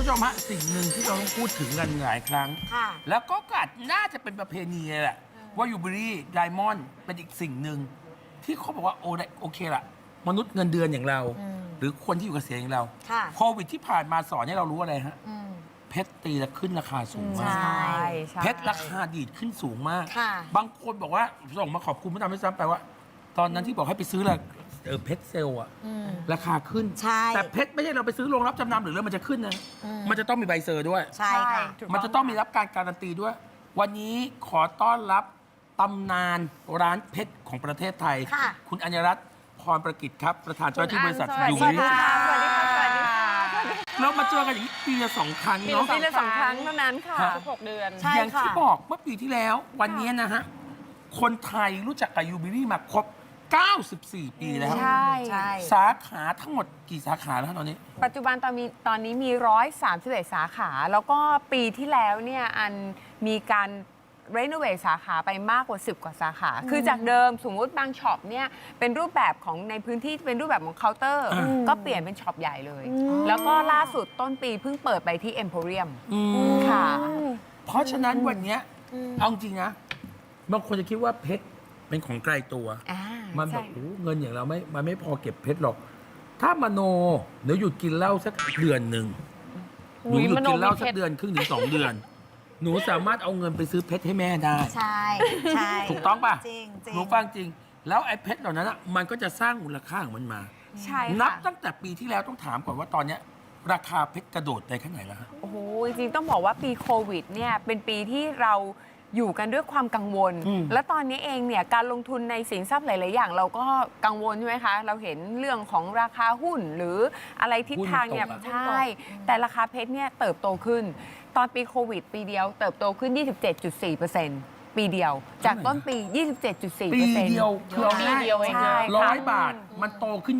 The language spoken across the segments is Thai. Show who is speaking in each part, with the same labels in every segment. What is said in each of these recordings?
Speaker 1: ชมฮะสิ่งหนึ่งที่เราต้องพูดถึงกันหลายครั้ง
Speaker 2: ค่ะ
Speaker 1: แล้วก็น่าจะเป็นประเพณีเลยแหละว่ายูเบอรี่ไดมอนด์เป็นอีกสิ่งหนึ่งที่เขาบอกว่าโอเคละมนุษย์เงินเดือนอย่างเรา หรือคนที่อยู่เกษียณอย่างเรา
Speaker 2: ค่ะ
Speaker 1: โควิดที่ผ่านมาสอนให้เรารู้อะไรฮะ
Speaker 2: อืม
Speaker 1: เพชรตีละขึ้นราคาสูงมาก
Speaker 2: ใช่
Speaker 1: เพชรราคาดีดขึ้นสูงมาก
Speaker 2: ค่ะ
Speaker 1: บางคนบอกว่าส่งมาขอบคุณพระดำให้ซ้ำไปว่า ตอนนั้นที่บอกให้ไปซื้อละเพชรเซลล์อะ
Speaker 2: อืม
Speaker 1: ราคาขึ้น
Speaker 2: ใช่
Speaker 1: แต่เพชรไม่ใช่เราไปซื้อโรงรับจำนำหรือแล้วมันจะขึ้นนะ มันจะต้องมีใบเซอร์ด้วย
Speaker 2: ใช่ค่ะ
Speaker 1: มันจะต้องมีรับการการันตีด้วย วันนี้ขอต้อนรับตำนานร้านเพชรของประเทศไทย
Speaker 2: ค่ะ
Speaker 1: คุณอัญรัตน์พรประกิจครับ ประธานเจ้าหน้าที่บริษัท
Speaker 3: สวัส
Speaker 1: ยู
Speaker 3: ดี
Speaker 1: เบอรี่
Speaker 3: ค่ะ สวัสดีค่ะ สวัสดีค่ะ
Speaker 1: เรามาเจอกันอย่างนี้ปีละ2 ครั้ง
Speaker 3: ปี
Speaker 1: เนาะ
Speaker 3: ละสองครั้งเท่านั้นค่ะ
Speaker 1: ครับ
Speaker 3: ทุก6 เดือน
Speaker 2: ใช่
Speaker 1: อย่าง
Speaker 2: ค่ะ
Speaker 1: ที่บอกเมื่อปีที่แล้ว วันนี้นะฮะ คนไทยรู้จักกับยูเบอรี่มาครบ 94 ปีแล้ว
Speaker 3: ใช่
Speaker 2: ใช่
Speaker 1: สาขาทั้งหมดกี่สาขาแล้วตอนนี้
Speaker 3: ปัจจุบันตอนนี้มี 131 สาขา แล้วก็ปีที่แล้วเนี่ยอันมีการรีโนเวทสาขาไปมากกว่า 10 กว่าสาขา คือจากเดิมสมมุติบางช็อปเนี่ยเป็นรูปแบบของในพื้นที่เป็นรูปแบบของเคาน์เตอร์ ก็เปลี่ยนเป็นช็อปใหญ่เลย แล้วก็ล่าสุดต้นปีเพิ่งเปิดไปที่เอ็มโพเรียม ค่ะ
Speaker 1: เพราะฉะนั้นวันเนี้ยเอาจริงนะบางคนจะคิดว่าเพชรเป็นของไกลตัว มันแบ
Speaker 3: ใช่
Speaker 1: บโอ้เงินอย่างเรามันไม่พอเก็บเพชรหรอก ถ้ามโนเดี๋ยวหยุดกินเหล้าสักเดือนหนึ่งหนูหยุดกินเหล้าสักเดือนครึ่งถึง2 เดือน หนูสามารถเอาเงินไปซื้อเพชรให้แม่ได้
Speaker 2: ใช่ ใช่
Speaker 1: ถูกต้องป่ะ
Speaker 2: จริงจริง
Speaker 1: หนูฟังจริง แล้วไอ้เพชรเหล่านั้นอะมันก็จะสร้างมูลค่าของมันมา
Speaker 3: ใช่
Speaker 1: นับ
Speaker 3: ค่ะ
Speaker 1: ตั้งแต่ปีที่แล้วต้องถามก่อนว่าตอนเนี้ยราคาเพชรกระโดดไปแค่ไหนแล้วฮะ
Speaker 3: โอ้โหจริงๆต้องบอกว่าปีโควิดเนี่ยเป็นปีที่เราอยู่กันด้วยความกังวล และตอนนี้เองเนี่ยการลงทุนในสินทรัพย์หลาย ๆ อย่างเราก็กังวลใช่ไหมคะ เราเห็นเรื่องของราคาหุ้นหรืออะไรทิศทางเนี่ย
Speaker 1: หุ้นตกอะ
Speaker 3: ใช่ แต่ราคาเพชรเนี่ยเติบโตขึ้น ตอนปีโควิด ปีเดียวเติบโตขึ้น 27.4%ปีเดียว จากต้นปี 27.4%
Speaker 1: ปีเดียวคือเอา
Speaker 3: ปี
Speaker 1: ง่าย
Speaker 3: เดียวเอง
Speaker 1: ใช่
Speaker 3: ค่ะ
Speaker 1: 100 บาท มันโตขึ้น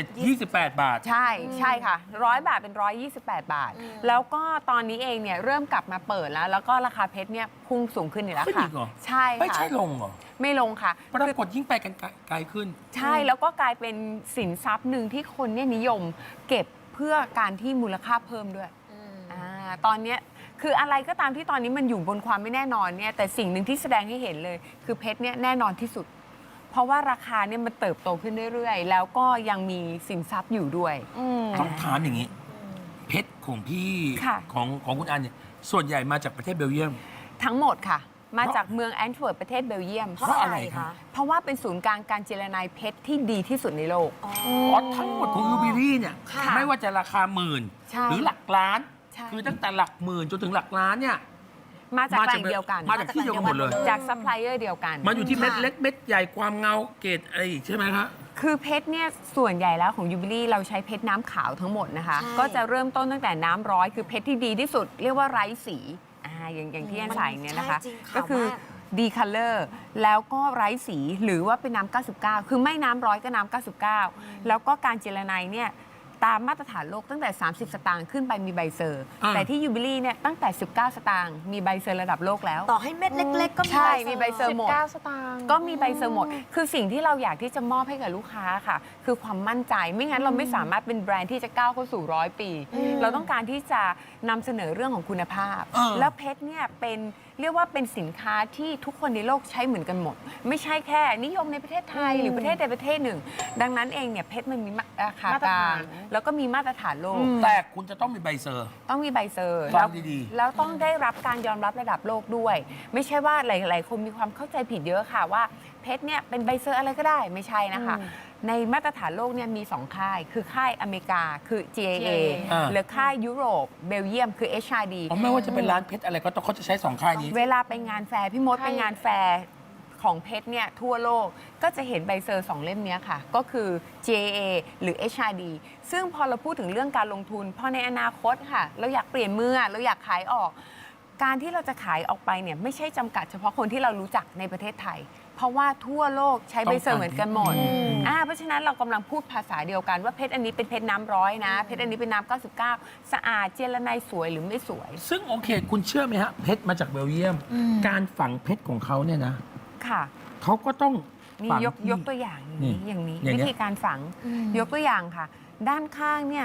Speaker 1: 28 บาท
Speaker 3: ใช่ค่ะ100 บาทเป็น 128 บาท แล้วก็ตอนนี้เองเนี่ยเริ่มกลับมาเปิดแล้วก็ราคาเพชรเนี่ยพุ่งสูงขึ้นอีกแล้ว
Speaker 1: ขึ้น
Speaker 3: ค่ะ
Speaker 1: อีกเหรอ
Speaker 3: ใช่ค่ะ
Speaker 1: ไม่ใช่ลงเหรอ
Speaker 3: ไม่ลงค่ะ
Speaker 1: ปรากฏยิ่งไปกันไกลขึ้น
Speaker 3: ใช่แล้วก็กลายเป็นสินทรัพย์หนึ่งที่คนเนี่ยนิยมเก็บเพื่อการที่มูลค่าเพิ่มด้วยตอนเนี้ยคืออะไรก็ตามที่ตอนนี้มันอยู่บนความไม่แน่นอนเนี่ยแต่สิ่งหนึ่งที่แสดงให้เห็นเลย คือเพชรเนี่ยแน่นอนที่สุด เพราะว่าราคาเนี่ยมันเติบโตขึ้นเรื่อยๆ แล้วก็ยังมีสินทรัพย์อยู่ด้วย
Speaker 1: ต้องถามอย่างนี้ เพชรของพี่
Speaker 3: ค่ะ
Speaker 1: ของคุณอันเนี่ยส่วนใหญ่มาจากประเทศเบลเยียม
Speaker 3: ทั้งหมดค่ะ มาจากเมืองแอนต์เวิร์ปประเทศเบลเยียม
Speaker 2: เพราะอะไรคะ
Speaker 3: เพราะว่าเป็นศูนย์กลางการเจรนายเพชรที่ดีที่สุดในโลก
Speaker 1: อ๋อทั้งหมดของยูบิลี่เนี่ย
Speaker 3: ค่ะ
Speaker 1: ไม่ว่าจะราคาหมื่น
Speaker 3: ใช่
Speaker 1: หรือหลักล้าน
Speaker 3: ใช่
Speaker 1: คือตั้งแต่หลักหมื่นจนถึงหลักล้านเนี่ย
Speaker 3: มาจากแหล่งเดียวกัน
Speaker 1: มาจากที่เดียวกันหมดเลย
Speaker 3: จากซัพพลายเออร์เดียวกัน
Speaker 1: มันอยู่ที่เม็ดเล็กเม็ดใหญ่ความเงาเกรดอะไรอีกใช่ไหมครับ
Speaker 3: คือเพชรเนี่ยส่วนใหญ่แล้วของยูบิลี่เราใช้เพชรน้ำขาวทั้งหมดนะคะ
Speaker 2: ใช่
Speaker 3: ก็จะเริ่มต้นตั้งแต่น้ำร้อยคือเพชรที่ดีที่สุด เรียกว่าไร้สีอย่างที่อันใส่เนี่ยนะคะ
Speaker 2: ใช่จริงขาว
Speaker 3: ก็คือ
Speaker 2: มาก
Speaker 3: ดีคัลเลอร์แล้วก็ไร้สีหรือว่าเป็นน้ำ99 คือไม่น้ำร้อยก็น้ำ99 แล้วก็การเจรไนเนี่ยตามมาตรฐานโลกตั้งแต่ 30 สตางค์ขึ้นไปมีใบเซอร์ แต่ที่ยูบิลี่เนี่ยตั้งแต่ 19 สตางค์มีใบเซอร์ระดับโลกแล้ว
Speaker 2: ต่อให้เม็ดเล็ก ๆ ก็
Speaker 3: ใช่มีใบเซอร์หมด
Speaker 4: 19 สตางค์
Speaker 3: ก็มีใบเซอร์หมด คือสิ่งที่เราอยากที่จะมอบให้กับลูกค้าค่ะ คือความมั่นใจ ไม่งั้นเราไม่สามารถเป็นแบรนด์ที่จะก้าวเข้าสู่100 ปี เราต้องการที่จะนำเสนอเรื่องของคุณภาพ แล้วเพชรเนี่ยเป็นเรียกว่าเป็นสินค้าที่ทุกคนในโลกใช้เหมือนกันหมด ไม่ใช่แค่นิยมในประเทศไทยหรือประเทศใดประเทศหนึ่ง ดังนั้นเองเนี่ยเพชรมันมีราคากลางแล้วก็มีมาตรฐานโลก
Speaker 1: แต่คุณจะต้องมีใบเซอร์
Speaker 3: ต้องมีใบเซอร์
Speaker 1: ฟั
Speaker 3: แล้
Speaker 1: ง
Speaker 3: ว
Speaker 1: ดี
Speaker 3: แล้วต้องได้รับการยอมรับระดับโลกด้วย ไม่ใช่ว่าหลาย ๆ คนมีความเข้าใจผิดเยอะค่ะว่าเพชรเนี่ยเป็นใบเซอร์อะไรก็ได้ไม่ใช่นะคะ ในมาตรฐานโลกเนี่ยมี 2 ค่าย คือค่ายอเมริกาคือ GAA หรือค่ายยุโรปเบลเยียมคือ HRD
Speaker 1: ๆผมไม่ว่าจะเป็นร้านเพชรอะไรก็ต้องเขาจะใช้2 ค่ายนี้
Speaker 3: เวลาไปงานแฟร์พี่มดไปงานแฟร์ของเพชรเนี่ยทั่วโลกก็จะเห็นใบเซอร์ 2 เล่มเนี้ยค่ะ ก็คือ JA หรือ HRD ซึ่งพอเราพูดถึงเรื่องการลงทุนพอในอนาคตค่ะ เราอยากเปลี่ยนมือเราอยากขายออก การที่เราจะขายออกไปเนี่ยไม่ใช่จำกัดเฉพาะคนที่เรารู้จักในประเทศไทย เพราะว่าทั่วโลกใช้ใบเซอร์เหมือนกันหมดเพราะฉะนั้นเรากำลังพูดภาษาเดียวกันว่าเพชรอันนี้เป็นเพชรน้ำร้อยนะเพชรอันนี้เป็นน้ำ99 สะอาดเจรไนสวยหรือไม่สวย
Speaker 1: ซึ่งโอเค คุณเชื่อไหมฮะเพชรมาจากเบลเยียม การฝังเพชรของเขาเนี่ยนะ
Speaker 3: ค่ะ
Speaker 1: เขาก็ต้อง
Speaker 3: นี่
Speaker 1: ฝัง
Speaker 3: ยก
Speaker 1: ที่
Speaker 3: ตัวอย่างอย่างนี้
Speaker 1: อย่างเงี้ย
Speaker 3: วิธีการฝังยกตัวอย่างค่ะ ด้านข้างเนี่ย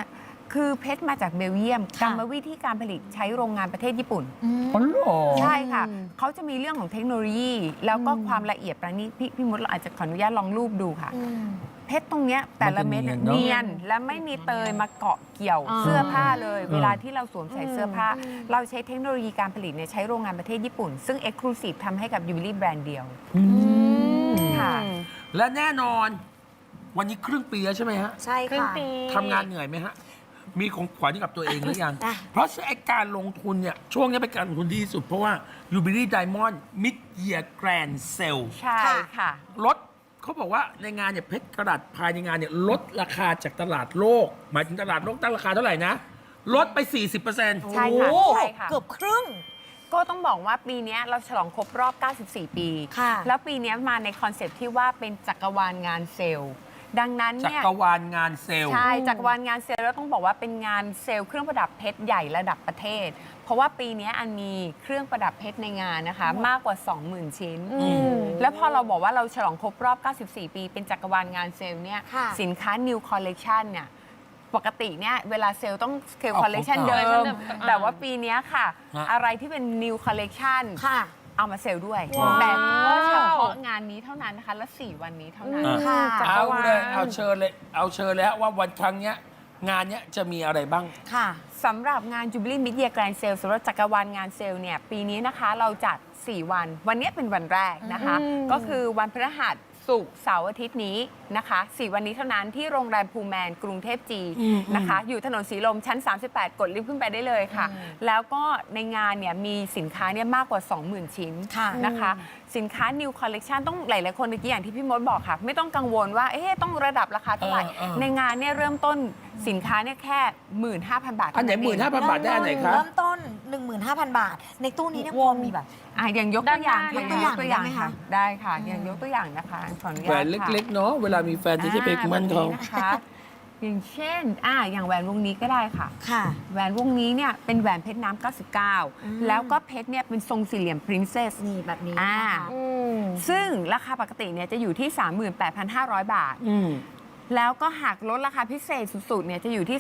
Speaker 3: คือเพชรมาจากเบลเยียมกร
Speaker 2: ค่ะ
Speaker 3: รมวิธีการผลิตใช้โรงงานประเทศญี่ปุ่น
Speaker 1: อ๋อเหรอ
Speaker 3: ใช่ค่ะ เขาจะมีเรื่องของเทคโนโลยี แล้วก็ความละเอียดประณีตพี่มดเราอาจจะขออนุญาตลองรูปดูค่ะ เพชรตรงเนี้ยแต่ละเม็ดเนี่ย
Speaker 1: มันจะเนียนเนอะ
Speaker 3: เนียนและไม่มีเตยมาเกาะเกี่ยว
Speaker 2: อ่า
Speaker 3: เสื้อผ้าเลย
Speaker 1: อืม
Speaker 3: เวลาที่เราสวมใส่เสื้อผ้า เราใช้เทคโนโลยีการผลิตเนี่ยใช้โรงงานประเทศญี่ปุ่น ซึ่ง Exclusive ทำให้กับยูบิลี่แบรนด์เดียว ค่ะ
Speaker 1: และแน่นอน วันนี้ครึ่งปีแล้วใช่ไหมฮะ
Speaker 2: ใช่
Speaker 4: ครึ่ง
Speaker 2: ค่ะ
Speaker 4: ปี
Speaker 1: ทำงานเหนื่อยไหมฮะ มีของขวัญให้กับตัวเองหรือยัง
Speaker 2: อ่ะ
Speaker 1: เพราะไอ้การลงทุนเนี่ย ช่วงนี้เป็นการลงทุนที่ดีที่สุด เพราะว่า Jubilee Diamond Mid Year Grand Sale
Speaker 3: ใช่ค่ะ
Speaker 1: ลดเขาบอกว่าในงานเนี่ยเพชรกระดัษภายในงานเนี่ยลดราคาจากตลาดโลก หมายถึงตลาดโลกตั้งราคาเท่าไหร่นะ ลดไป 40%
Speaker 3: ใช่ค่ะ
Speaker 2: โอ้
Speaker 3: ใช่ค่ะ
Speaker 2: เกือบครึ่ง
Speaker 3: ก็ต้องบอกว่าปีเนี้ยเราฉลองครบรอบ 94 ปี
Speaker 2: ค่ะ
Speaker 3: แล้วปีเนี้ยมาในคอนเซปต์ที่ว่าเป็นจักรวาลงานเซลล์ ดังนั้น
Speaker 1: จั
Speaker 3: เนี่ย
Speaker 1: กรวาลงานเซลล์
Speaker 3: ใช่จักรวาลงานเซลล์แล้วต้องบอกว่าเป็นงานเซลล์เครื่องประดับเพชรใหญ่ระดับประเทศ เพราะว่าปีเนี้ยอันมีเครื่องประดับเพชรในงานนะคะ มากกว่า 20,000 ชิ้น แล้วพอเราบอกว่าเราฉลองครบรอบ 94 ปี เป็นจักรวาลงานเซลล์เนี่ย
Speaker 2: ค่ะ
Speaker 3: สินค้า New Collection เนี่ยปกติเนี่ยเวลาเซลล์ต้องเซลล์
Speaker 1: ออก
Speaker 3: คอลเลคชัน
Speaker 1: ของ
Speaker 3: เดิ
Speaker 1: เก่า
Speaker 3: มแต่ว่าปีเนี้ยค่ะ
Speaker 1: ฮะ
Speaker 3: อะไรที่เป็น New Collection
Speaker 2: ค่ะ
Speaker 3: เอามาเซลล์ด้วย
Speaker 4: ว้าว
Speaker 3: แต่ก็เฉพาะงานนี้เท่านั้นนะคะ และ 4 วันนี้เท่านั้น
Speaker 2: ค่ะ
Speaker 3: จักร
Speaker 1: เอา
Speaker 3: วาล
Speaker 1: เลย เอาเชิญเลย เอาเชิญเลยฮะว่าวันครั้งเนี้ยงานเนี้ยจะมีอะไรบ้าง
Speaker 2: ค่ะ
Speaker 3: สำหรับงาน Jubilee Mid Year Grand Sale สำหรับจักรวาลงานเซลล์เนี่ยปีนี้นะคะเราจัด 4 วัน วันนี้เป็นวันแรกนะคะ ก็คือวันพฤหัสศุกร์เสาร์อาทิตย์นี้นะคะ 4 วันนี้เท่านั้นที่โรงแรมพูแมนกรุงเทพจีนะคะ อยู่ถนนสีลมชั้น 38 กดลิฟต์ขึ้นไปได้เลยค่ะ แล้วก็ในงานเนี่ยมีสินค้าเนี่ยมากกว่า 20,000 ชิ้น
Speaker 2: ค่ะ
Speaker 3: นะคะ สินค้า New Collection ต้องหลายๆคนเมื่อกี้อย่างที่พี่มดบอกค่ะ ไม่ต้องกังวลว่าเอ๊ะต้องระดับราคาเท่าไหร่ ในงานเนี่ยเริ่มต้นสินค้าเนี่ยแค่ 15,000 บาท
Speaker 1: อันไหน
Speaker 3: เท่าเง
Speaker 1: 15,000 บาทได้อันไหนคะ
Speaker 2: เริ่มต้น 15,000 บาท ในตู้นี้เนี่ยพอมีแบบ
Speaker 3: อย่างยกตัวอย่าง
Speaker 2: ยกตัวอย่าง
Speaker 3: ค่ะ
Speaker 2: ได้ไหมคะ
Speaker 3: ได้ค่ะอย่างยกตัวอย่างนะคะขออนุญาต
Speaker 1: แหวนเล็ก ๆ เนาะเวลามีแฟนที่จะไปมั่นเขา
Speaker 3: นะคะอย่างเช่นอย่างแหวนวงนี้ก็ได้ค่ะ
Speaker 2: ค่ะ
Speaker 3: แหวนวงนี้เนี่ยเป็นแหวนเพชรน้ำ99 แล้วก็เพชรเนี่ยเป็นทรงสี่เหลี่ยม Princess
Speaker 2: นี่แบบนี้
Speaker 3: อ่า
Speaker 2: นะคะ
Speaker 3: ซึ่งราคาปกติเนี่ยจะอยู่ที่ 38,500 บาท แล้วก็หากลดราคาพิเศษสุดๆเนี่ยจะอยู่ที่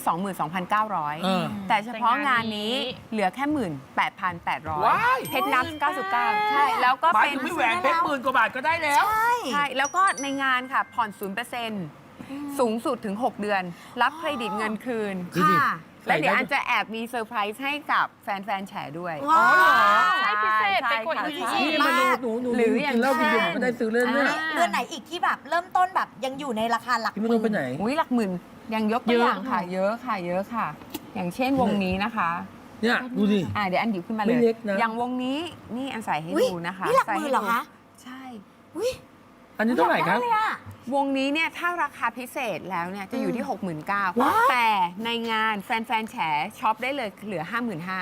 Speaker 3: 22,900 แต่เฉพาะงานนี้เหลือแค่ 18,800
Speaker 1: ว้าย
Speaker 3: เพชรน้ำ99 ใช่ แล้วก็
Speaker 1: หมาย
Speaker 3: เป็น
Speaker 1: ถึงไม่แหวนเพชร10,000 กว่าบาทก็ได้แล้ว
Speaker 3: ใช่ แล้วก็ในงานค่ะผ่อน 0%สูงสุดถึง 6 เดือน รับเครดิตเงินคืน
Speaker 1: ดูดิ
Speaker 2: ค่ะ
Speaker 3: และเดี๋ยวอันจะแอบมีเซอร์ไพรส์ให้กับแฟนๆแฉด้วย
Speaker 2: ว้าว
Speaker 4: ให้พิเศษไปกว่า
Speaker 3: ใช่
Speaker 4: อีก
Speaker 3: ค่ะ
Speaker 1: นี่มาดูหนู
Speaker 3: หรืออย่าง
Speaker 1: กินเหล้ากินเบียร์ผมก็ได้ซื้อเล่นเนี่ย
Speaker 2: เดือนไหนอีกที่แบบเริ่มต้นแบบยังอยู่ในราคาหลัก
Speaker 1: พี่มโนไปไหน
Speaker 3: อุ้ยหลักหมื่นยังยกตัวอย่างค่ะ เยอะค่ะ เยอะค่ะ อย่างเช่นวงนี้นะคะ
Speaker 1: เนี่ยดูดิ
Speaker 3: เดี๋ยวอันหยิบขึ้นมาเล
Speaker 1: ไม่
Speaker 3: ย
Speaker 1: เล็กนะ
Speaker 3: อย่างวงนี้นี่อันใส่ให้
Speaker 2: อุ๊ย
Speaker 3: ดูนะคะ
Speaker 2: นี่หลักหมื่นเหรอคะ
Speaker 3: ใช่
Speaker 2: อุ้ย
Speaker 1: อันนี้เท่าไหร่ครับ
Speaker 2: อยกด้เลยอะ
Speaker 3: วงนี้เนี่ยถ้าราคาพิเศษแล้วเนี่ยจะอยู่ที่
Speaker 2: ว้าว
Speaker 3: 69,000แต่ในงานแฟนๆแฉช็อปได้เลยเหลือ 55,000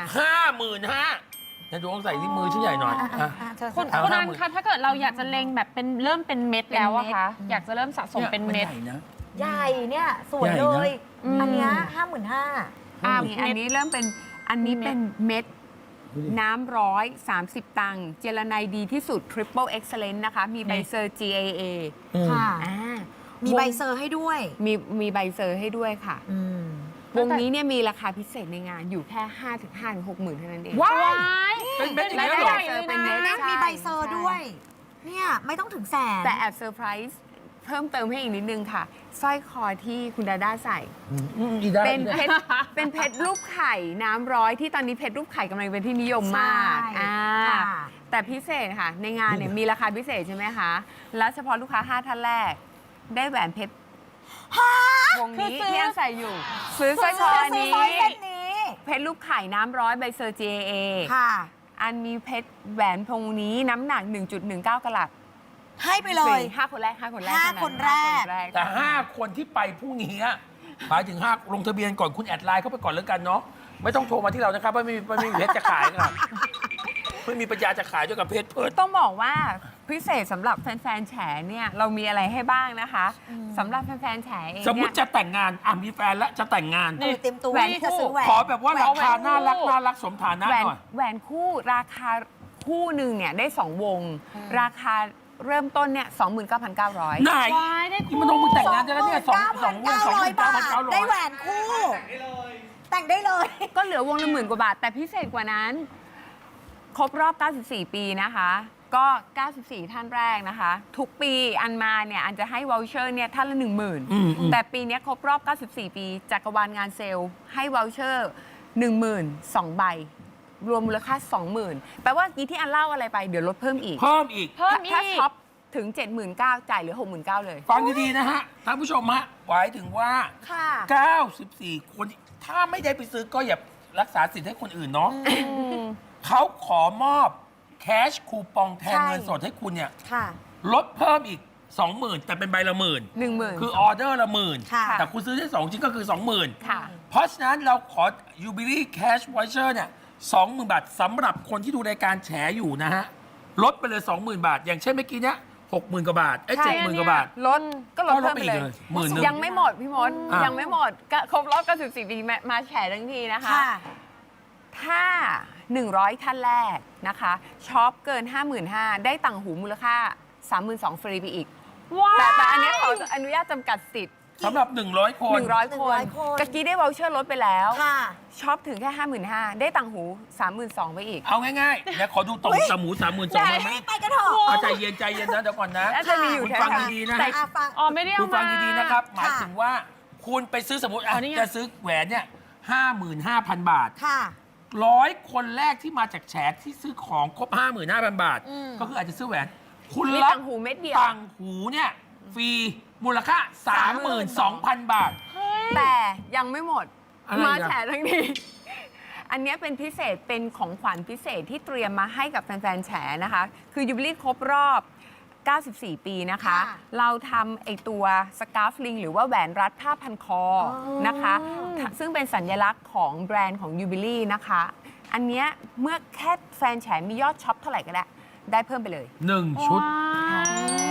Speaker 1: 55,000นะดูต้องใส่ที่มือชิ้นใหญ่หน่อยอ่ะ
Speaker 2: เธอ
Speaker 4: คุณ
Speaker 1: เอา
Speaker 4: คุณนัน
Speaker 1: 50,000
Speaker 4: คะถ้าเกิดเราอยากจะเล็งแบบเป็นเริ่มเป็นเม็ดแล้วอะคะอยากจะเริ่มสะสมเป็นเม็ด
Speaker 1: ใหญ่นะ
Speaker 2: ใหญ่เนี่ยสวย
Speaker 1: ใหญ่
Speaker 2: เล
Speaker 1: นะ
Speaker 2: ย อันเนี้ย55,000
Speaker 3: อันนี้เริ่มเป็นอันนี้เป็นเม็ด
Speaker 1: ดูดิ
Speaker 3: น้ำ130 ตังค์เจลาไนดีที่สุด Triple Excellence นะคะ มีใบเซอร์ GAA
Speaker 2: ค่ะ
Speaker 3: อ่า
Speaker 2: มีใบเซอร์ให้ด้วย
Speaker 3: มีใบเซอร์ให้ด้วยค่ะ
Speaker 2: อืม
Speaker 3: วงนี้เนี่ยมีราคาพิเศษในงานอยู่แค่ 5-6 หมื่นเท่านั้นเอง
Speaker 1: ว้า
Speaker 4: ว้าย
Speaker 1: เป็นเม็ดอย่าง
Speaker 4: ไม่
Speaker 1: เงี้ย
Speaker 4: ได้
Speaker 1: เหรอ
Speaker 4: ใหญ่เลยนะ
Speaker 3: ใช่
Speaker 2: มีใบเซอร์
Speaker 3: ใช่
Speaker 2: ด้วย เนี่ยไม่ต้องถึงแสน
Speaker 3: แต่แอบเซอร์ไพรส์เพิ่มเติมให้อีกนิดนึงค่ะสร้อยคอที่คุณดาด้าใส่
Speaker 1: อีได้
Speaker 3: เป็นเพชรเป็นเพชรรูปไข่น้ำร้อยที่ตอนนี้เพชรรูปไข่กำลังเป็นที่นิยมมาก
Speaker 2: ใช่ค่ะ
Speaker 3: แต่พิเศษค่ะ ในงานเนี่ยมีราคาพิเศษใช่ไหมคะ แล้วเฉพาะลูกค้า 5 ท่านแรก ได้แหวนเพชรวงนี้
Speaker 4: คือซื้อ
Speaker 3: ที่ยังใส่อยู่ ซื้อสร้อยคออันนี้
Speaker 2: ซื้อสร้อยเส้นนี้
Speaker 3: เพชรรูปไข่น้ำร้อยใบเซอร์ GAA
Speaker 2: ค่ะ
Speaker 3: อันมีเพชรแหวนพงนี้น้ำหนัก 1.19 กะรัต
Speaker 2: ให้ไปเลย
Speaker 3: 5 คนแรก5 คนแรก
Speaker 2: ห้า
Speaker 3: เท่
Speaker 2: คนแรก
Speaker 1: แต่ 5 คนที่ไปพรุ่งนี้อะหมายถึง 5 ลงทะเบียนก่อนคุณแอดไลน์เข้าไปก่อนแล้วกันเนาะไม่ต้องโทรมาที่เรานะครับไม่มีเพชรจะขายครับไม่มีปัญญาจะขายด้วยกับเพชรเพิด
Speaker 3: ต้องบอกว่าพิเศษสำหรับแฟนๆแฉเนี่ยเรามีอะไรให้บ้างนะคะสำหรับแฟนๆแฉเอง
Speaker 1: สมมติ
Speaker 3: เนี่ย
Speaker 1: จะแต่งงานมีแฟนแล้วจะแต่งงาน
Speaker 2: เออเต็มตัว
Speaker 3: แหวน
Speaker 2: จะซื้อแหวน
Speaker 1: ขอแบบว่าราคาน่ารักสมฐานะ
Speaker 3: แหวน
Speaker 1: หน่อย
Speaker 3: แหวนคู่ราคาคู่หนึ่งเนี่ยได้ 2 วง ราคาเริ่มต้นเนี่ย 29,900
Speaker 1: ไหน
Speaker 4: ว้ายได้คู่
Speaker 1: นี่มันต้องมึงแต่งงานจะแล้วเนี่ย2
Speaker 2: 9,900 บาท ได้แหวนคู่แต่งได้เลย
Speaker 3: ก็เหลือวงละ10,000 กว่าบาท แต่พิเศษกว่านั้น ครบรอบ 94 ปีนะคะ ก็ 94 ท่านแรกนะคะ ทุกปีอันมาเนี่ยอันจะให้วอลเชอร์เนี่ยท่านละ 10,000 แต่ปีเนี้ยครบรอบ 94 ปีจักรวาลงานเซลล์ให้วอลเชอร์ 12,000 ใบ รวมมูลค่า 20,000 แปลว่ากี้ที่อันเล่าอะไรไปเดี๋ยวลดเพิ่มอีก
Speaker 1: เพิ่มอีก
Speaker 4: เพิ่มอี
Speaker 3: ถ้าก ช็อปถึง 79,000 จ่ายเหลือ 69,000 เลย
Speaker 1: ฟังดีๆนะฮะท่านผู้ชมฮะหมายถึงว่า
Speaker 2: ค่ะ
Speaker 1: 94 คนถ้าไม่ได้ไปซื้อก็อย่ารักษาสิทธิ์ให้คนอื่นเนาะเขาขอมอบแคชคูปองแทน
Speaker 2: ใช่
Speaker 1: เงินสดให้คุณเนี่ย
Speaker 2: ค่ะ
Speaker 1: ลดเพิ่มอีก 20,000 แต่เป็นใบละหมื่น
Speaker 3: 10,000
Speaker 1: คือออเดอร์ละหมื่น
Speaker 2: ค่ะ
Speaker 1: แต่คุณซื้อได้ 2 ชิ้นก็คือ 20,000
Speaker 3: ค่ะ
Speaker 1: เพราะฉะนั้นเราขอ Jubilee Cash Voucher เนี่ย 20,000 บาทสำหรับคนที่ดูรายการแฉอยู่นะฮะ ลดไปเลย 20,000 บาท อย่างเช่นเมื่อกี้เนี้ย60,000 กว่าบาท
Speaker 3: ใช่
Speaker 1: 70,000 กว่าบาท
Speaker 3: ลดก็ลดเพิ่มไปเลย
Speaker 1: ก็ลดไปอีกเลย10,000
Speaker 3: ยังไม่หมดพี่มด
Speaker 1: อ่ะ
Speaker 3: ยังไม่หมดก็ครบรอบ94 ปีมาแฉทั้งทีนะคะ
Speaker 2: ค่ะ
Speaker 3: ถ้า 100 ท่านแรกนะคะช็อปเกิน 55,000 ได้ต่างหูมูลค่า 32,000 ฟรีไปอีก
Speaker 4: ว้า
Speaker 3: แต่อันเนี้ยขออนุญาตจำกัดสิทธิ์
Speaker 1: สำหรับ 100 คน
Speaker 3: 100 คน
Speaker 2: 100 คน
Speaker 3: กะกี้ได้วอลเชอร์ลดไปแล้ว
Speaker 2: ค่ะ
Speaker 3: ช็อปถึงแค่ 55,000 ได้ต่างหู 32,000 ไปอีก
Speaker 1: เอาง่ายๆเดี๋ยวขอดูตรงตะหมู 32,000เลยไหม
Speaker 2: ไปกันเถอะ
Speaker 1: เอาใจเย็นนะเดี๋ยวก่อนนะ
Speaker 3: แล้วจะมีอยู่
Speaker 1: คุณ
Speaker 3: แค่
Speaker 1: ฟัง
Speaker 3: ค่ะ
Speaker 1: ดีๆนะ
Speaker 2: แต่
Speaker 1: ฮะ
Speaker 2: ฟัง
Speaker 4: อ๋อไม่ได้
Speaker 1: คุ
Speaker 4: เอา
Speaker 1: ณฟั
Speaker 4: มาง
Speaker 1: ดีๆนะครับ หมาย
Speaker 2: ค่ะ
Speaker 1: ถึงว่าคุณไปซื้อสมมติอ่ะ
Speaker 4: อ๋อนี่ไง
Speaker 1: จะซื้อแหวนเนี่ย 55,000 บาท
Speaker 2: ค่ะ
Speaker 1: 100 คนแรกที่มาจากแฉที่ซื้อของครบ 55,000 บาท
Speaker 2: อืม
Speaker 1: ก็คืออาจจะซื้อแหวน คุณ
Speaker 3: มี
Speaker 1: รับ
Speaker 3: ต่างหูเม็ดเดียว
Speaker 1: ต่างหูเนี่ยฟรีมูลค่า 32,000 บาท
Speaker 3: แต่ยังไม่หมด
Speaker 1: อะไร
Speaker 3: มา
Speaker 1: อ่ะ
Speaker 3: แฉทั้งที อันเนี้ยเป็นพิเศษเป็นของขวัญพิเศษที่เตรียมมาให้กับแฟนๆ แฉนะคะ คือยูบิลี่ครบรอบ 94 ปีนะคะ
Speaker 2: ค่ะ
Speaker 3: เราทำไอตัวสกาฟลิงหรือว่าแหวนรัดผ้าพันคอนะคะ ซึ่งเป็นสัญลักษณ์ของแบรนด์ของยูบิลี่นะคะ อันเนี้ยเมื่อแค่แฟนแฉมียอดช็อปเท่าไหร่ก็ได้เพิ่มไปเลย
Speaker 1: 1 ชุด
Speaker 4: ว้าย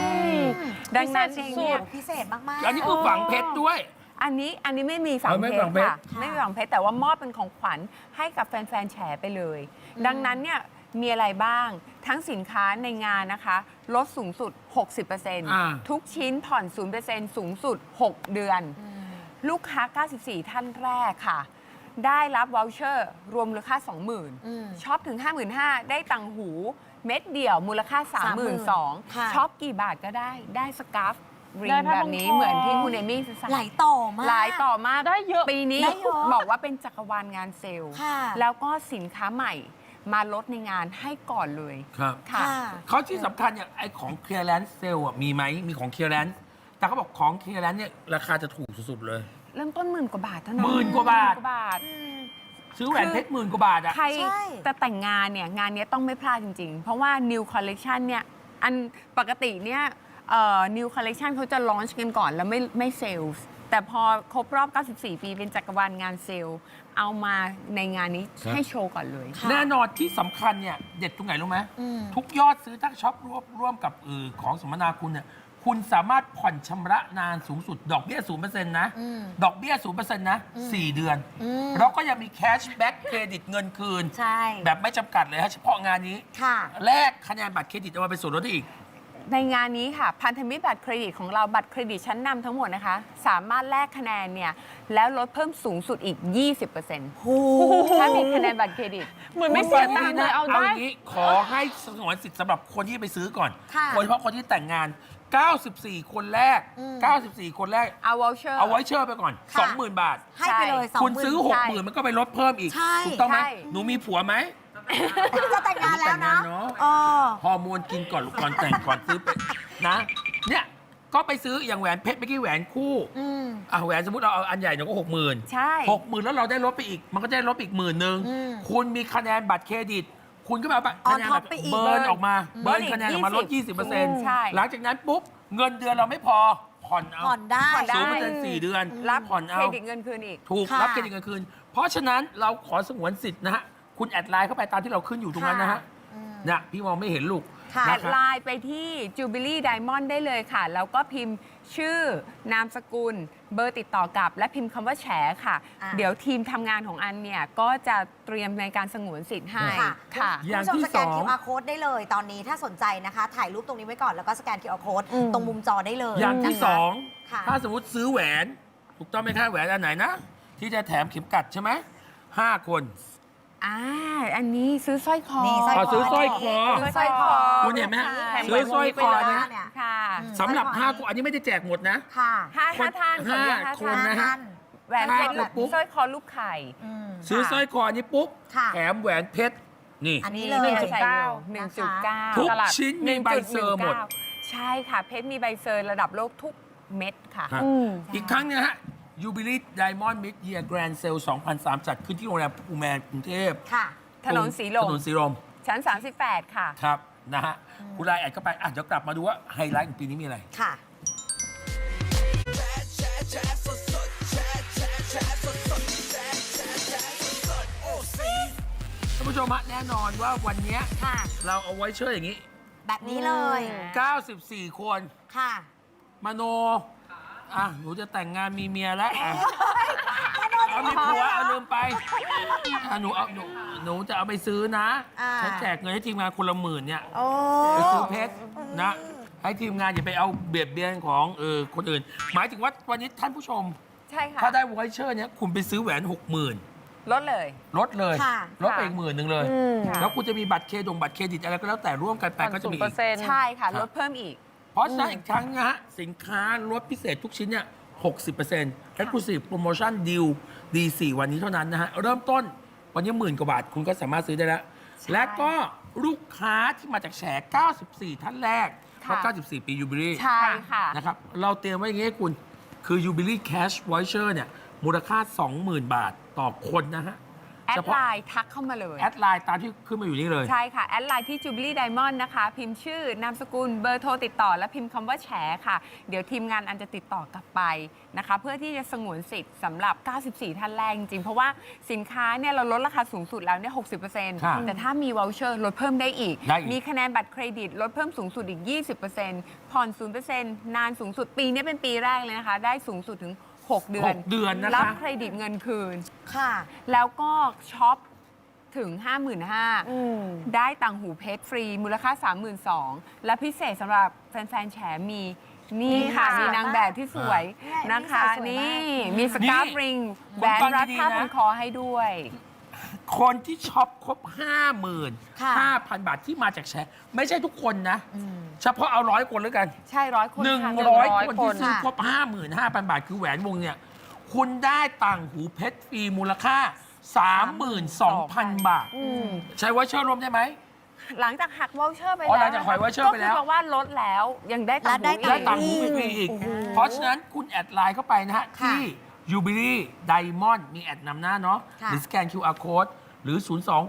Speaker 3: ดังนั้น
Speaker 4: พิ
Speaker 3: เอ
Speaker 4: เศษ
Speaker 3: งเนี่ย
Speaker 2: พิเศษมากๆ
Speaker 1: อันนี้คือฝังเพชรด้วย
Speaker 3: อันนี้ไม่มีฝัง
Speaker 1: เอาไม่
Speaker 3: เพช
Speaker 1: ฝั
Speaker 3: รง
Speaker 1: เพชร
Speaker 3: ค่ะไม่มีฝังเพชรแต่ว่ามอบเป็นของขวัญให้กับแฟนๆ แฉไปเลย ดังนั้นเนี่ยมีอะไรบ้างทั้งสินค้าในงานนะคะ ลดสูงสุด 60%ทุกชิ้นผ่อน 0% สูงสุด 6 เดือน ลูกค้า 94 ท่านแรกค่ะ ได้รับวอลเชอร์รวมมูลค่า 20,000ช็อปถึง 55,000 ได้ตังหูเม็ดเดี่ยวมูลค่า 32,000
Speaker 2: ค่ะ ช็
Speaker 3: ช็อปกี่บาทก็ได้สกาฟริ
Speaker 4: ได้
Speaker 3: ง
Speaker 4: ผ้า
Speaker 3: แบ
Speaker 4: พั
Speaker 3: บ
Speaker 4: น
Speaker 3: นี้
Speaker 4: คอ
Speaker 3: เหมือนที่คุณเอมี่ใส่
Speaker 2: หลายต่อมาก
Speaker 3: หลายต่อมาก
Speaker 4: ได้เยอะ
Speaker 3: ปีนี้
Speaker 2: ได้เยอะ
Speaker 3: บอกว่าเป็นจักรวาลงานเซลล์
Speaker 2: ค่ะ
Speaker 3: แล้วก็สินค้าใหม่มาลดในงานให้ก่อนเลย
Speaker 1: ครับ
Speaker 3: ค่ะ
Speaker 1: เขาที่สำคัญเนี่ยไอของ clearance sale อ่ะมีไหมมีของ clearance แต่เขาบอกของ clearance เนี่ยราคาจะถูกสุดๆเลย
Speaker 3: เริ่มต้น10,000 กว่าบาทเท่านั้น
Speaker 1: 10,000 กว่าบาท
Speaker 3: 10,000 กว่าบาท
Speaker 1: ซื้อแหวนเพชร10,000 กว่าบาทอ่ะ
Speaker 3: ใคร
Speaker 2: ใช่
Speaker 3: แต่แต่งงานเนี่ยงานเนี้ยต้องไม่พลาดจริง ๆ เพราะว่า New Collection เนี่ยอันปกติเนี่ยNew Collection เขาจะลอนช์กันก่อนแล้วไม่เซลล์แต่พอครบรอบ 94 ปีเป็นจักรวาลงานเซลล์เอามาในงานนี้
Speaker 1: ครับ
Speaker 3: ให้โชว์ก่อนเลย
Speaker 2: ค่ะ
Speaker 1: แน่นอนที่สำคัญเนี่ยเด็ดตรงไหนรู้ไหม
Speaker 2: อืม
Speaker 1: ทุกยอดซื้อถ้าช็อปร่วมกับของสมนาคุณเนี่ยคุณสามารถผ่อนชำระนานสูงสุด ดอกเบี้ย 0% นะ ดอกเบี้ย 0%นะ 4 เดือน แล้วก็ยังมีแคชแบ็กเครดิตเงินคืน
Speaker 2: ใช่
Speaker 1: แบบไม่จำกัดเลยฮะเฉพาะงานนี้
Speaker 2: ค่ะ
Speaker 1: แลกคะแนนบัตรเครดิตเอามาเป็นส่วนลดได้อีก
Speaker 3: ในงานนี้ค่ะพันธมิตรบัตรเครดิตของเราบัตรเครดิตชั้นนำทั้งหมดนะคะ สามารถแลกคะแนนเนี่ยแล้วลดเพิ่มสูงสุดอีก 20%
Speaker 2: โอ้
Speaker 3: ถ้ามีคะแนนบัตรเครดิต
Speaker 4: เหมือนไม่เสียตังค์เลยเอา
Speaker 1: เอา
Speaker 4: ได้
Speaker 1: อย่างนี้ขอให้สงวนสิทธิ์สำหรับคนที่ไปซื้อก่อน
Speaker 2: ค่ะ
Speaker 1: โดยเฉพาะคนที่แต่งงาน 94 คนแรก 94 คนแรก
Speaker 3: เอาวอลเชอร์
Speaker 1: เอาไว้เชื่อไปก่อน
Speaker 2: ค่ะ
Speaker 1: 20,000 บาท
Speaker 2: ให้ไปเลย
Speaker 1: คุณซื้อ
Speaker 3: ใช่
Speaker 1: 60,000 มันก็ไปลดเพิ่มอีก
Speaker 2: ใช่
Speaker 1: ถูกต้องไหม
Speaker 3: ใช่
Speaker 1: หนูมีผัวไหม
Speaker 2: จะแต่งงานแล้วนะ
Speaker 1: แต่งงานเนอะ
Speaker 2: เออ
Speaker 1: ฮอร์โมนกินก่อนลูกก่อนแต่งก่อนซื้อไปนะ เนี่ย ก็ไปซื้ออย่างแหวนเพชรเมื่อกี้แหวนคู่
Speaker 2: อืม
Speaker 1: แหวนสมมติเราเอาอันใหญ่หน่อยก็ 60,000
Speaker 3: ใช่
Speaker 1: 60,000 แล้วเราได้ลดไปอีก มันก็ได้ลดไปอีก10,000 นึง
Speaker 2: อืม
Speaker 1: คุณมีคะแนนบัตรเครดิต คุณก็มาเอา
Speaker 2: On
Speaker 1: คะแนน
Speaker 2: top ไปอีก
Speaker 1: เบิร์นออกมา
Speaker 3: เบิ
Speaker 1: เบิ
Speaker 3: ร์
Speaker 1: ร์
Speaker 3: น
Speaker 1: น
Speaker 3: อีก
Speaker 1: คะแนนออกมาลด 20%
Speaker 3: ใช่
Speaker 1: หลังจากนั้นปุ๊บ เงินเดือนเราไม่พอ ผ่อนเอา
Speaker 2: ผ่อนได้
Speaker 3: ผ่อนได้
Speaker 1: 0% 4 เดือน
Speaker 3: รับ
Speaker 1: ผ่อน
Speaker 3: เค
Speaker 1: เอา
Speaker 3: รดิตเงินคืนอีก
Speaker 1: ถูก
Speaker 2: ค่ะ
Speaker 1: รับเครดิตเงินคืน เพราะฉะนั้นเราขอสงวนสิทธิ์นะฮะ คุณแอดไลน์เข้าไปตามที่เราขึ้นอยู่ตรงนั้นนะฮะ เนี่ยพี่มองไม่เห็นลูก
Speaker 2: ค่ะ
Speaker 3: แอ
Speaker 1: นะ
Speaker 3: ด
Speaker 1: ครับ
Speaker 3: ไลน์ไปที่ Jubilee Diamond ได้เลยค่ะ แล้วก็พิมพ์ชื่อนามสกุล เบอร์ติดต่อกลับ และพิมพ์คำว่าแฉค่ะ
Speaker 2: อ่ะ
Speaker 3: เดี๋ยวทีมทำงานของอันเนี่ยก็จะเตรียมในการสงวนสิทธิ์ให้
Speaker 2: ค่ะ
Speaker 3: ค่ะ
Speaker 1: อย่าง
Speaker 2: คุณผู้ชม
Speaker 1: ที่
Speaker 2: สแกน
Speaker 1: สอง
Speaker 2: QR code ได้เลยตอนนี้ถ้าสนใจนะคะ ถ่ายรูปตรงนี้ไว้ก่อนแล้วก็สแกน QR code ตรงมุมจอได้เลย
Speaker 1: อย่างที่
Speaker 2: นะคะ
Speaker 1: สอง
Speaker 2: ค่ะ
Speaker 1: ถ้าสมมติซื้อแหวน ถูกต้องไหมคะแหวนอันไหนนะ ที่จะแถมเข็มกัดใช่ไหม 5 คน
Speaker 3: อันนี้ซื้อสร้อยคอ
Speaker 2: นี่สร้อย
Speaker 1: ขอซื้อสร้อยคอ
Speaker 3: ซื้อสร้อยคอ
Speaker 1: คุณเห็นไหมฮะ
Speaker 2: แถม
Speaker 1: ซื้อสร้อยคอเนี่ย
Speaker 3: ค่ะ
Speaker 1: สำหรับ 5 คนอันนี้ไม่ได้แจกหมดนะ
Speaker 2: ค่ะ
Speaker 3: ห้าท่านขออนุญาต
Speaker 1: ห้า
Speaker 3: ห้า
Speaker 1: คน
Speaker 3: ท่าน
Speaker 1: นะฮะ
Speaker 3: แหวนเพชร
Speaker 1: ห้าคนปุ๊บ
Speaker 3: สร้อยคอลูกไข่
Speaker 2: อืม
Speaker 1: ซื้อสร้อยคออันนี้ปุ๊บ
Speaker 2: ค่ะ
Speaker 1: แถมแหวนเพชรนี่
Speaker 2: อันนี้เลย
Speaker 3: ใส่อยู่
Speaker 1: ทุก
Speaker 3: 1.9
Speaker 1: ชิ้นมีใบเซอร์หมด
Speaker 3: ใช่ค่ะเพชรมีใบเซอร์ระดับโลกทุกเม็ดค่ะ
Speaker 1: ฮะอีกครั้งเนี่ยฮะยูบิลี่ไดมอนด์มิดเยียร์แกรนด์เซล2003 จัดขึ้นที่โรงแรมภูแมนกรุงเทพ
Speaker 2: ค่ะ
Speaker 3: ถนนสีล
Speaker 1: ถ
Speaker 3: ม
Speaker 1: นนสีลม
Speaker 3: ชั้น 38 ค่ะ
Speaker 1: ครับนะฮะคุณไลน์แอดเข้าไปเดี๋ยวกลับมาดูว่าไฮไลท์ของปีนี้มีอะไร
Speaker 2: ค่ะ
Speaker 1: ท่านผู้ชมฮะแน่นอนว่าวันเนี้ย
Speaker 2: ค่ะ
Speaker 1: เราเอาไว้เชื่ออย่างนี้
Speaker 2: แบบนี้เลย
Speaker 1: 94 คน
Speaker 2: ค่ะ
Speaker 1: มโนหนูจะแต่งงานมีเมียแล้วเอามีผัวเอาลืมไปหนูจะเอาไปซื้อนะ
Speaker 2: อ่า
Speaker 1: ฉันแจกเงินให้ทีมงานคนละ10,000เนี่ย
Speaker 2: โอ้
Speaker 1: ไปซื้อเพชรนะ ให้ทีมงานอย่าไปเอาเบียดเบียนของคนอื่น หมายถึงว่าวันนี้ท่านผู้ชม
Speaker 3: ใช่ค่ะ
Speaker 1: ถ้าได้ไวเชอร์เนี้ยคุณไปซื้อแหวน 60,000
Speaker 3: ลดเลย
Speaker 1: ลดเลย
Speaker 2: ค่ะ
Speaker 1: ลดไปอีก10,000เลย
Speaker 3: ค่ะ
Speaker 1: แล้วคุณจะมีบัตรเครดิตอะไรก็แล้วแต่ร่วมกันไปก็จะมีอีก
Speaker 3: ใช่ค่ะ
Speaker 1: ครับ
Speaker 3: ลดเพิ่มอีก
Speaker 1: เพราะฉะนั้นอีกครั้งนะฮะสินค้าลดพิเศษทุกชิ้นเนี่ย 60% Exclusive Promotion Deal D4 วันนี้เท่านั้นนะฮะ เริ่มต้นวันนี้10,000 กว่าบาทคุณก็สามารถซื้อได้แล้ว
Speaker 3: ใช่
Speaker 1: และก็ลูกค้าที่มาจากแฉ94 ท่านแรกเพราะ
Speaker 3: ค่ะ
Speaker 1: 94 ปียูบิลี่
Speaker 3: ใช่ค่ะ
Speaker 1: นะครับ เราเตรียมไว้อย่างนี้ให้คุณ คือ Jubilee Cash Voucher เนี่ย มูลค่า 20,000 บาทต่อคนนะฮะ
Speaker 3: แอ
Speaker 1: เฉ
Speaker 3: ด
Speaker 1: พาะ
Speaker 3: ไลน์ทักเข้ามาเลย
Speaker 1: แอดไลน์ตามที่ขึ้นมาอยู่นี่เลย
Speaker 3: ใช่ค่ะ แอดไลน์ที่ Jubilee Diamond นะคะ พิมพ์ชื่อนามสกุลเบอร์โทรติดต่อ และพิมพ์คำว่าแฉค่ะ เดี๋ยวทีมงานอันจะติดต่อกลับไปนะคะ เพื่อที่จะสงวนสิทธิ์สำหรับ 94 ท่านแรกจริงๆ เพราะว่าสินค้าเนี่ยเราลดราคาสูงสุดแล้วเนี่ย
Speaker 1: ครับ
Speaker 3: 60%แต่ถ้ามีวอลเชอร์ลดเพิ่มได้อีก
Speaker 1: ได้อีก
Speaker 3: มีคะแนนบัตรเครดิตลดเพิ่มสูงสุดอีก 20%ผ่อน 0%นานสูงสุดปีนี้เป็นปีแรกเลยนะคะ ได้สูงสุดถึง 6 เดือน
Speaker 1: 6 เดือนนะ
Speaker 3: รับ
Speaker 1: คะ
Speaker 3: เครดิตเงินคืน
Speaker 2: ค่ะ
Speaker 3: แล้วก็ช็อปถึง 55,000 ได้ต่างหูเพชรฟรี มูลค่า 32,000 และพิเศษสำหรับแฟนๆแฉมีนี่ค่ะ
Speaker 2: นี่ค่ะ
Speaker 3: มีนางแบบที่สวยนะคะ
Speaker 2: นี่
Speaker 3: นี่
Speaker 2: สวยมาก
Speaker 3: มีสกาฟริงแหวนรัดผ้าพันคอให้ด้วย
Speaker 1: คนที่ช็อปครบ
Speaker 2: ค่ะ
Speaker 1: 55,000 บาทที่มาจากแชร์ไม่ใช่ทุกคนนะ เฉพาะเอา100 คนแล้วกัน
Speaker 3: ใช่100 คนค่ะ
Speaker 1: 100 คนที่ซื้อครบ 55,000 บาทคือแหวนวงเนี่ย คุณได้ต่างหูเพชรฟรีมูลค่า 32,000 บาท ใช้วอเชอร์รวมได้ไหม
Speaker 3: หลังจากหักวอลเชอร์ไป
Speaker 1: อ๋อ
Speaker 3: แล้ว
Speaker 1: หลังจากหัก voucher ไปแล้ว
Speaker 3: ก็คือแปลว่าลดแล้วยังได้ต่างหู
Speaker 2: และได้
Speaker 1: ได้ต่าง
Speaker 3: อี
Speaker 1: หู
Speaker 3: ก
Speaker 1: ฟรีอีก เพราะฉะนั้นคุณแอดไลน์เข้าไปนะฮะ
Speaker 2: ค่ะ
Speaker 1: ที่ Jubilee Diamond มีแอดนำหน้าเนาะ
Speaker 2: ค่ะ
Speaker 1: หรือสแกน QR Code หรือ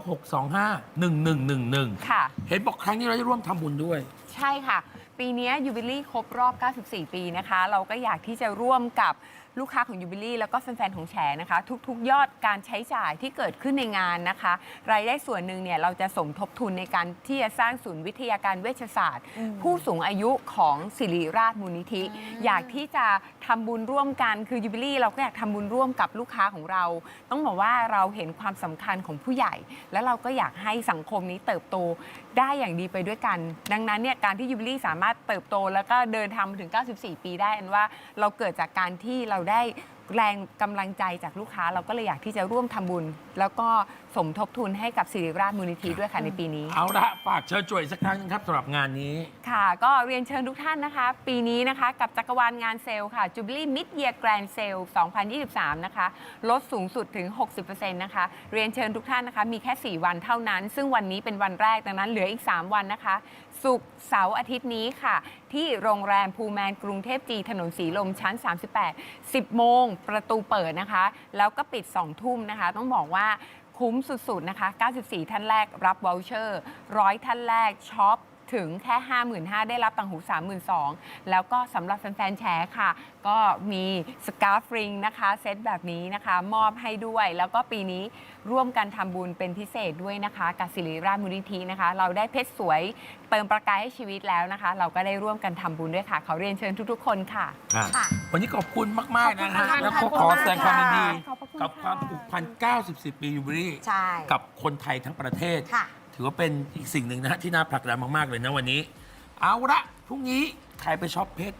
Speaker 1: 026251111
Speaker 3: ค่ะ
Speaker 1: เห็นบอกครั้งนี้เราได้ร่วมทำบุญด้วย
Speaker 3: ใช่ค่ะ ปีนี้ยูบิลี่ครบรอบ 94 ปีนะคะ เราก็อยากที่จะร่วมกับลูกค้าของยูบิลี่แล้วก็แฟนๆ ของแฉนะคะ ทุกๆ ยอดการใช้จ่ายที่เกิดขึ้นในงานนะคะ รายได้ส่วนหนึ่งเนี่ยเราจะสมทบทุนในการที่จะสร้างศูนย์วิทยาการเวชศาสตร์ ผู้สูงอายุของศิริราชมูลนิธิ อยากที่จะทำบุญร่วมกันคือยูบิลี่เราก็อยากทำบุญร่วมกับลูกค้าของเรา ต้องบอกว่าเราเห็นความสำคัญของผู้ใหญ่ และเราก็อยากให้สังคมนี้เติบโตได้อย่างดีไปด้วยกัน ดังนั้นเนี่ยการที่ยูบิลี่สามารถเติบโตแล้วก็เดินทางมาถึง 94 ปีได้อันว่าเราเกิดจากการที่เราได้แรงกำลังใจจากลูกค้า เราก็เลยอยากที่จะร่วมทำบุญ แล้วก็สมทบทุนให้กับศิริราชมูลนิธิด้วยค่ะในปีนี้
Speaker 1: เอาละฝากเชิญชวนอีกสักครั้งนึงครับสำหรับงานนี้
Speaker 3: ค่ะ ก็เรียนเชิญทุกท่านนะคะ ปีนี้นะคะกับจักรวาลงานเซลล์ค่ะ Jubilee Mid Year Grand Sale 2023 นะคะ ลดสูงสุดถึง 60% นะคะ เรียนเชิญทุกท่านนะคะ มีแค่ 4 วันเท่านั้น ซึ่งวันนี้เป็นวันแรก ดังนั้นเหลืออีก 3 วันนะคะ ศุกร์เสาร์อาทิตย์นี้ค่ะ ที่โรงแรมภูแมนกรุงเทพจีถนนสีลมชั้น 38 10 โมงประตูเปิดนะคะ แล้วก็ปิด 2 ทุ่มนะคะ ต้องบอกว่าคุ้มสุดๆ นะคะ 94 ท่านแรกรับวอลเชอร์ 100 ท่านแรกช็อปถึงแค่ 55,000 ได้รับต่างหู 32,000 แล้วก็สำหรับแฟนๆแชร์ค่ะ ก็มีสกาฟริงนะคะ เซตแบบนี้นะคะ มอบให้ด้วย แล้วก็ปีนี้ร่วมกันทำบุญเป็นพิเศษด้วยนะคะกับศิริราชมูลนิธินะคะ เราได้เพชรสวยเติมประกายให้ชีวิตแล้วนะคะ เราก็ได้ร่วมกันทำบุญด้วยค่ะ ขอเรียนเชิญทุกๆ คนค่ะ
Speaker 2: ค่ะ
Speaker 1: วันนี้ขอบคุณมาก ๆ นะฮะ
Speaker 2: ขอบคุณค่ะ
Speaker 1: แล้วก็
Speaker 2: ขอบคุณ
Speaker 1: ขอแสดงความยินดี
Speaker 2: ขอบคุณค่ะ
Speaker 1: กับความผูกพัน 90 ปียูบิลี่
Speaker 2: ใช่
Speaker 1: กับคนไทยทั้งประเทศ
Speaker 2: ค่ะ
Speaker 1: ถือว่าเป็นอีกสิ่งหนึ่งนะฮะที่น่าผลักดันมาก ๆ เลยนะวันนี้ เอาละพรุ่งนี้ใครไปช็อปเพชร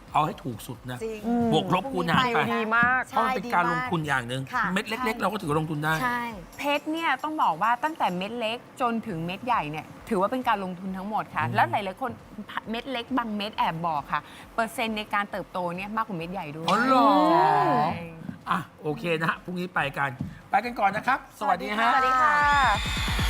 Speaker 1: เอาให้ถูกสุดนะ
Speaker 2: จริง
Speaker 1: บวกลบคูณหารไป
Speaker 4: ดีมาก
Speaker 1: เพราะมันเป็นการลงทุนอย่างหนึ่ง
Speaker 2: ค่ะ
Speaker 1: เม็ดเล็ก ๆ เราก็ถือว่าลงทุนได้
Speaker 2: ใช่
Speaker 3: เพชรเนี่ยต้องบอกว่าตั้งแต่เม็ดเล็กจนถึงเม็ดใหญ่เนี่ยถือว่าเป็นการลงทุนทั้งหมดค่ะ แล้วหลายๆคนเม็ดเล็กบางเม็ดแอบบอกค่ะ เปอร์เซ็นต์ในการเติบโตเนี่ยมากกว่าเม็ดใหญ่ด้วย
Speaker 1: อ๋อเหรอ
Speaker 3: ใช่
Speaker 1: อ่ะโอเคนะฮะพรุ่งนี้ไปกันก่อนนะครับ สวัสดีฮะ
Speaker 2: สวัสดีค่ะ